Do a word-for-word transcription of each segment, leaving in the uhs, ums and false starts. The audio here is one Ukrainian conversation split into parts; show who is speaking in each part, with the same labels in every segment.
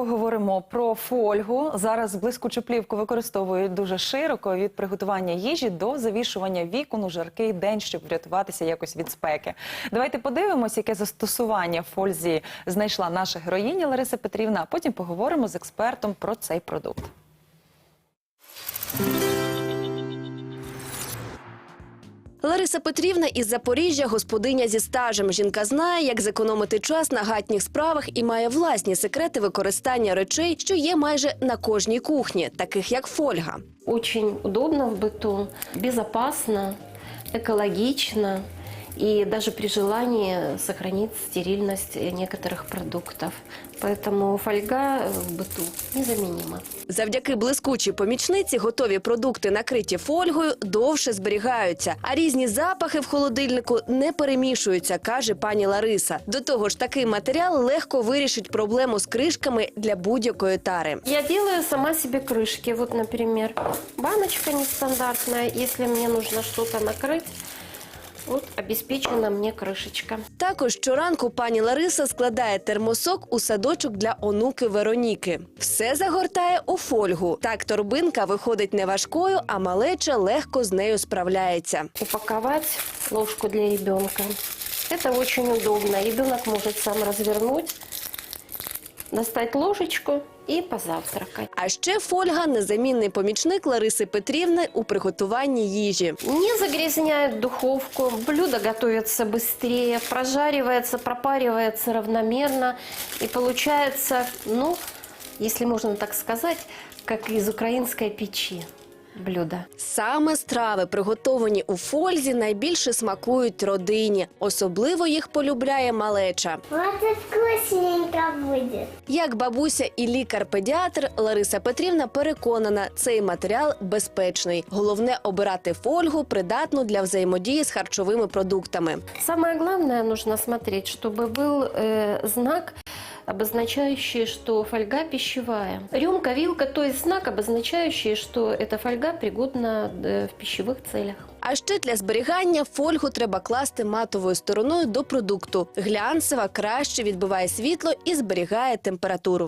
Speaker 1: поговоримо про фольгу. Зараз блискучу плівку використовують дуже широко, від приготування їжі до завішування вікон у жаркий день, щоб врятуватися якось від спеки. Давайте подивимось, яке застосування в фользі знайшла наша героїня Лариса Петрівна, а потім поговоримо з експертом про цей продукт.
Speaker 2: Лариса Петрівна із Запоріжжя – господиня зі стажем. Жінка знає, як зекономити час на гатніх справах і має власні секрети використання речей, що є майже на кожній кухні, таких як фольга.
Speaker 3: Очень удобно в быту, безопасно, экологично и даже при желании сохранить стерильность некоторых продуктов. Поэтому фольга в быту незаменима.
Speaker 2: Завдяки блискучій помічниці готові продукти, накриті фольгою, довше зберігаються, а різні запахи в холодильнику не перемішуються, каже пані Лариса. До того ж, такий матеріал легко вирішить проблему з кришками для будь-якої тари.
Speaker 3: Я делаю сама себе крышки. Вот, например, баночка нестандартная. Если мне нужно что-то накрыть, вот обеспечена мне крышечка.
Speaker 2: Також щоранку пані Лариса складає термосок у садочок для онуки Вероніки. Все загортає у фольгу. Так торбинка виходить не важкою, а малеча легко з нею справляється.
Speaker 3: Упаковать ложку для ребенка. Это очень удобно. Ребенок может сам развернуть, достать ложечку і позавтракати.
Speaker 2: А ще фольга – незамінний помічник Лариси Петрівни у приготуванні їжі.
Speaker 3: Не загрязняет духовку, блюдо готовится быстрее, прожаривается, пропаривается равномерно. И получается, ну, если можно так сказать, как из украинской печи блюдо.
Speaker 2: Саме страви, приготовані у фользі, найбільше смакують родині. Особливо їх полюбляє малеча.
Speaker 4: Вот и вкусненько будет.
Speaker 2: Як бабуся і лікар-педіатр, Лариса Петрівна переконана, цей матеріал безпечний. Головне – обирати фольгу, придатну для взаємодії з харчовими продуктами.
Speaker 3: Самое главное, нужно смотреть, чтобы был э, знак, обозначающий, что фольга пищевая. Рюмка, вилка, то есть знак, обозначающий, что эта фольга пригодна э, в пищевых целях.
Speaker 2: А ще для зберігання фольгу треба класти матовою стороною до продукту. Глянцева краще відбиває світло і зберігає температуру.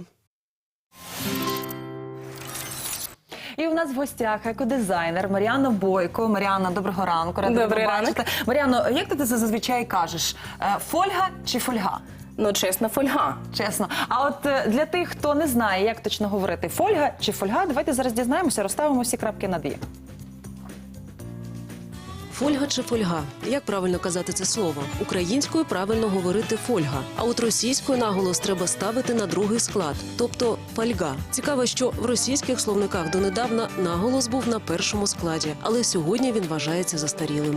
Speaker 1: І у нас в гостях екодизайнер Мар'яна Бойко. Мар'яна, доброго ранку. Рада
Speaker 5: Добрий
Speaker 1: тебе бачити. Мар'яно, як ти це зазвичай кажеш? Е, Фольга чи фольга?
Speaker 5: Ну, чесно, фольга.
Speaker 1: Чесно. А от е, для тих, хто не знає, як точно говорити, фольга чи фольга, давайте зараз дізнаємося, розставимо всі крапки над «і».
Speaker 6: Фольга чи фольга? Як правильно казати це слово? Українською правильно говорити фольга, а от російською наголос треба ставити на другий склад, тобто фольга. Цікаво, що в російських словниках донедавна наголос був на першому складі, але сьогодні він вважається застарілим.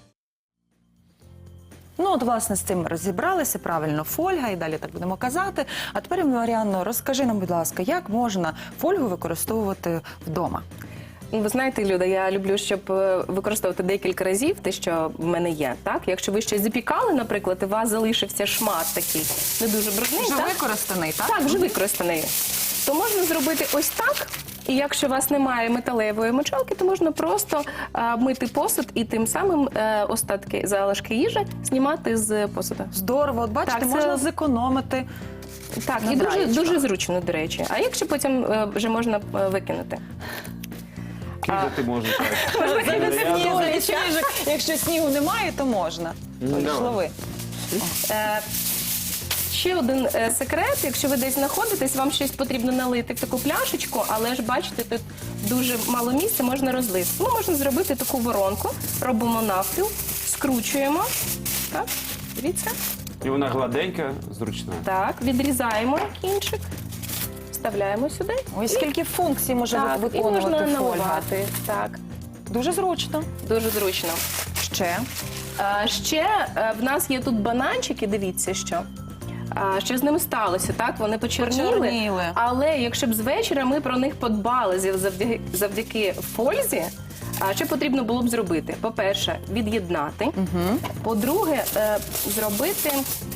Speaker 1: Ну, от, власне, з цим ми розібралися, правильно, фольга, і далі так будемо казати. А тепер, Мар'яно, розкажи нам, будь ласка, як можна фольгу використовувати вдома?
Speaker 5: Ну, ви знаєте, Люда, я люблю, щоб е, використовувати декілька разів те, що в мене є. Так? Якщо ви щось запікали, наприклад, і у вас залишився шмат такий не дуже брудний,
Speaker 1: Вже
Speaker 5: так?
Speaker 1: використаний, так?
Speaker 5: Так, вже використаний. То можна зробити ось так. І якщо у вас немає металевої мочалки, то можна просто е, мити посуд і тим самим е, остатки, залишки їжі знімати з посуду.
Speaker 1: Здорово, от бачите,
Speaker 5: Так, це-
Speaker 1: можна зекономити.
Speaker 5: Так, і дуже,
Speaker 1: Набираєчка.
Speaker 5: дуже зручно, до речі. А якщо потім е, вже можна е, викинути?
Speaker 7: Кидати можеш.
Speaker 1: Замість сніжок. Якщо снігу немає, то можна. Олі, лови.
Speaker 5: Е, Ще один е, секрет, якщо ви десь знаходитесь, вам щось потрібно налити в таку пляшечку, але ж бачите, тут дуже мало місця, можна розлити. Ну, можна зробити таку воронку, робимо навпіл, скручуємо, так, дивіться,
Speaker 7: І вона гладенька, зручна.
Speaker 5: так, відрізаємо кінчик, вставляємо сюди.
Speaker 1: Ой, скільки функцій може
Speaker 5: Так, і
Speaker 1: виконувати
Speaker 5: можна
Speaker 1: фольга.
Speaker 5: наливати, так,
Speaker 1: Дуже зручно.
Speaker 5: дуже зручно.
Speaker 1: Ще.
Speaker 5: А, ще е, в нас є тут бананчики, дивіться, що. А, що з ними сталося, так? Вони почерніли,
Speaker 1: Почерніли.
Speaker 5: але якщо б з вечора ми про них подбали завдяки, завдяки фользі, а що потрібно було б зробити? По-перше, від'єднати.
Speaker 1: Угу.
Speaker 5: По-друге, е, зробити,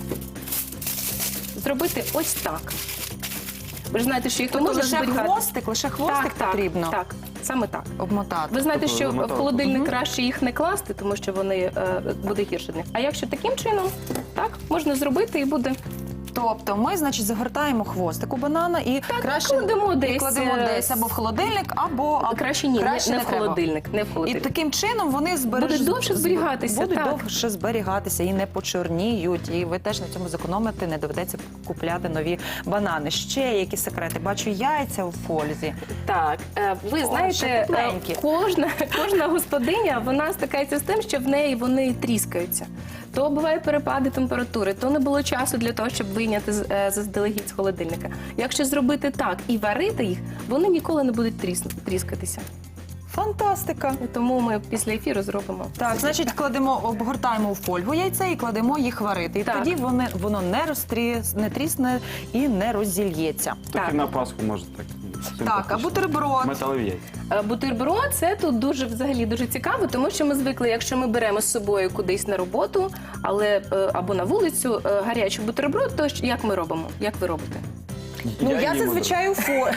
Speaker 5: зробити ось так. Ви ж знаєте, що їх
Speaker 1: Тобто
Speaker 5: можна
Speaker 1: лише
Speaker 5: зберігати.
Speaker 1: хвостик, лише хвостик
Speaker 5: так,
Speaker 1: потрібно
Speaker 5: Так, так, саме так.
Speaker 1: обмотати.
Speaker 5: Ви знаєте,
Speaker 7: Тобто
Speaker 5: що в
Speaker 7: замотав.
Speaker 5: холодильник краще їх не класти, тому що вони е, буде гірше для них. А якщо таким чином, так, можна зробити і буде
Speaker 1: Тобто ми, значить, загортаємо хвостик у банана і краще
Speaker 5: кладемо
Speaker 1: і
Speaker 5: десь,
Speaker 1: кладемо
Speaker 5: е,
Speaker 1: десь або в холодильник, або а,
Speaker 5: Краще ні,
Speaker 1: краще
Speaker 5: не, не в
Speaker 1: треба.
Speaker 5: холодильник, не в
Speaker 1: І
Speaker 5: холодильник.
Speaker 1: таким чином вони збереж...
Speaker 5: Будуть довше зберігатися,
Speaker 1: Будуть
Speaker 5: так.
Speaker 1: довше зберігатися і не почорніють. І ви теж на цьому зекономите, не доведеться купляти нові банани. Ще які секрети? Бачу яйця у фользі.
Speaker 5: Так, е, ви
Speaker 1: О,
Speaker 5: знаєте,
Speaker 1: ще
Speaker 5: е,
Speaker 1: тепленькі.
Speaker 5: кожна, кожна господиня, вона стикається з тим, що в неї вони тріскаються. То буває перепади температури, то не було часу для того, щоб вийняти з- е, заздалегідь з холодильника. Якщо зробити так і варити їх, вони ніколи не будуть тріс- тріскатися.
Speaker 1: Фантастика!
Speaker 5: Тому ми після ефіру зробимо.
Speaker 1: Так, значить, кладемо, обгортаємо у фольгу яйця і кладемо їх варити. І
Speaker 5: Так.
Speaker 1: тоді вони, воно не розтрі, не трісне і не роззільється.
Speaker 7: Так
Speaker 5: Так.
Speaker 7: і на Пасху може так.
Speaker 1: Так, а бутерброд?
Speaker 7: Металеві яйця.
Speaker 5: Е, Бутерброд – це тут дуже взагалі дуже цікаво, тому що ми звикли, якщо ми беремо з собою кудись на роботу, але е, або на вулицю е, гарячий бутерброд, то ж як ми робимо? Як ви робите?
Speaker 1: Ну, я,
Speaker 7: їм
Speaker 1: зазвичай у фольгу.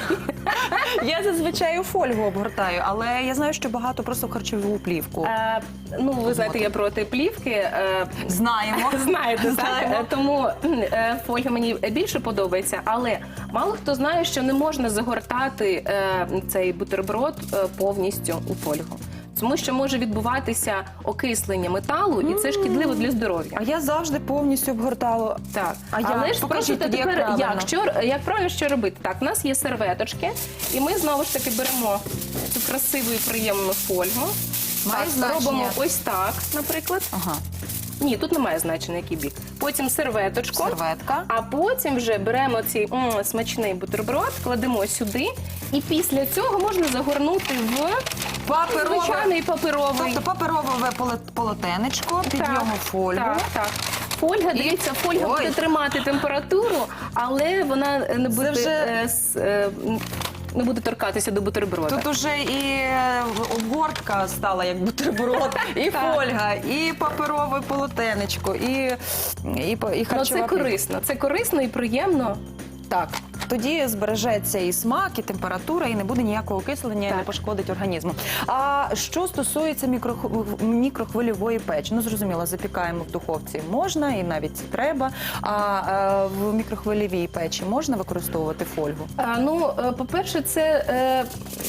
Speaker 1: Я зазвичай у фольгу обгортаю, але я знаю, що багато просто в харчову плівку.
Speaker 5: Е, ну, ви знаєте, я проти плівки. Е,
Speaker 1: Знаємо.
Speaker 5: Знаєте, так?
Speaker 1: Знаємо.
Speaker 5: Е, Тому е, фольга мені більше подобається, але мало хто знає, що не можна загортати е, цей бутерброд е, повністю у фольгу. Тому що може відбуватися окислення металу, і це шкідливо для здоров'я.
Speaker 1: А я завжди повністю обгортала.
Speaker 5: Так,
Speaker 1: А я-
Speaker 5: але ж
Speaker 1: покажіть
Speaker 5: спробуйте
Speaker 1: тоді, як
Speaker 5: тепер,
Speaker 1: правильно.
Speaker 5: як, що, як правильно що робити. Так, у нас є серветочки, і ми знову ж таки беремо цю красиву і приємну фольгу.
Speaker 1: Має
Speaker 5: Так,
Speaker 1: значення?
Speaker 5: робимо ось так, наприклад.
Speaker 1: Ага.
Speaker 5: Ні, тут немає значення, який бік. Потім серветочку.
Speaker 1: Серветка.
Speaker 5: А потім вже беремо цей м, смачний бутерброд, кладемо сюди, і після цього можна загорнути в
Speaker 1: Паперове.
Speaker 5: звичайний паперовий.
Speaker 1: Тобто паперове поле- полотенечко, під
Speaker 5: Так,
Speaker 1: нього фольгу.
Speaker 5: Так, так. Фольга, дивіться, фольга
Speaker 1: Ой.
Speaker 5: буде тримати температуру, але вона не буде,
Speaker 1: вже-
Speaker 5: е, с- е, не буде торкатися до бутерброда.
Speaker 1: Тут уже і е, обгортка стала як бутерброд, і
Speaker 5: Так.
Speaker 1: фольга, і паперове полотенечко, і, і, по- і
Speaker 5: Ну,
Speaker 1: харчова
Speaker 5: це
Speaker 1: плівка.
Speaker 5: корисно. Це корисно і приємно.
Speaker 1: Так, тоді збережеться і смак, і температура, і не буде ніякого окислення, і
Speaker 5: Так.
Speaker 1: не пошкодить організму. А що стосується мікрох- мікрохвильової печі, ну зрозуміло, запікаємо в духовці можна і навіть це треба. А е, в мікрохвильовій печі можна використовувати фольгу?
Speaker 5: А, ну, е, по-перше, це е,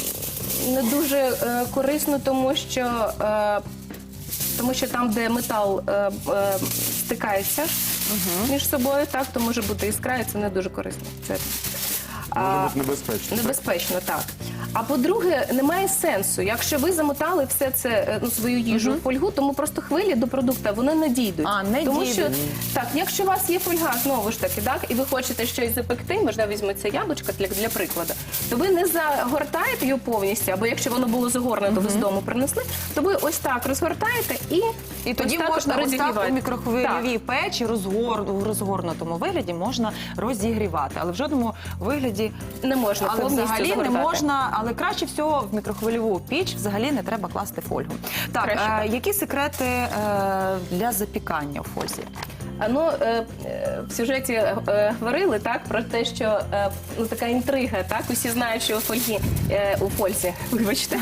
Speaker 5: не дуже е, корисно, тому що, е, тому що там, де метал е, е, стикається між собою, так, то може бути іскра, і це не дуже корисно. Це,
Speaker 7: Може
Speaker 5: а,
Speaker 7: бути небезпечно.
Speaker 5: Небезпечно, так. А по-друге, немає сенсу. Якщо ви замотали все це, е, ну, свою їжу в фольгу, тому просто хвилі до продукту вони не дійдуть.
Speaker 1: А, не
Speaker 5: тому
Speaker 1: дійдуть.
Speaker 5: що так, якщо у вас є фольга, знову ж таки, так, і ви хочете щось запекти, можна візьметься яблучко для, для прикладу, то ви не загортаєте його повністю, або якщо воно було загорнуто, ви з дому принесли, то ви ось так розгортаєте і
Speaker 1: І тоді
Speaker 5: ось так
Speaker 1: можна ось так
Speaker 5: розігріваєте.
Speaker 1: у мікрохвильовій печі розгор... в розгорнутому вигляді можна розігрівати, але в жодному вигляді
Speaker 5: Не можна
Speaker 1: але
Speaker 5: повністю
Speaker 1: взагалі
Speaker 5: загортати.
Speaker 1: не можна, але краще всього в мікрохвильову піч взагалі не треба класти фольгу. Так,
Speaker 5: Краще
Speaker 1: е,
Speaker 5: так.
Speaker 1: які секрети е, для запікання у фользі?
Speaker 5: А, ну, е, е, в сюжеті е, говорили так про те, що е, ну, така інтрига, так усі знають, що у фольгі е, у фользі, вибачте,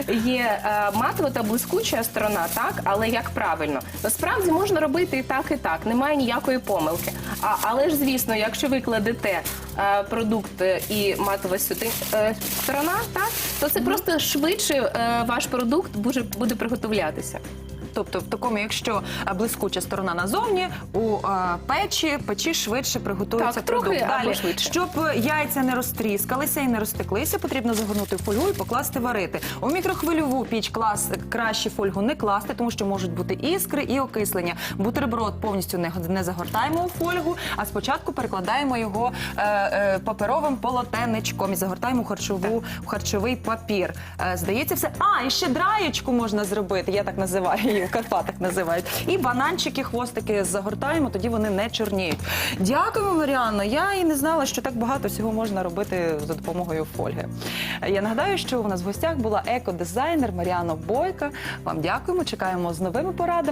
Speaker 5: є е, матова та блискуча сторона, так, але як правильно? Насправді можна робити і так, і так, немає ніякої помилки. А, але ж, звісно, якщо ви кладете е, продукт е, і матова сюди е, сторона, так, то це просто швидше е, ваш продукт буде, буде приготовлятися.
Speaker 1: Тобто, в такому, якщо е, блискуча сторона назовні, у е, печі, печі швидше приготується
Speaker 5: Так, трохи
Speaker 1: продукт.
Speaker 5: або
Speaker 1: Далі,
Speaker 5: швидше.
Speaker 1: щоб яйця не розтріскалися і не розтеклися, потрібно загорнути в фольгу і покласти варити. У мікрохвильову піч клас, краще фольгу не класти, тому що можуть бути іскри і окислення. Бутерброд повністю не, не загортаємо у фольгу, а спочатку перекладаємо його е, е, паперовим полотенечком і загортаємо в, харчову, в харчовий папір. Е, здається, все. А, і ще драєчку можна зробити, я так називаю її, в Карпатах називають. І бананчики, хвостики загортаємо, тоді вони не чорніють. Дякуємо, Маріанно. Я і не знала, що так багато всього можна робити за допомогою фольги. Я нагадаю, що у нас в гостях була екодизайнер Маріанна Бойка. Вам дякуємо, чекаємо з новими порадами.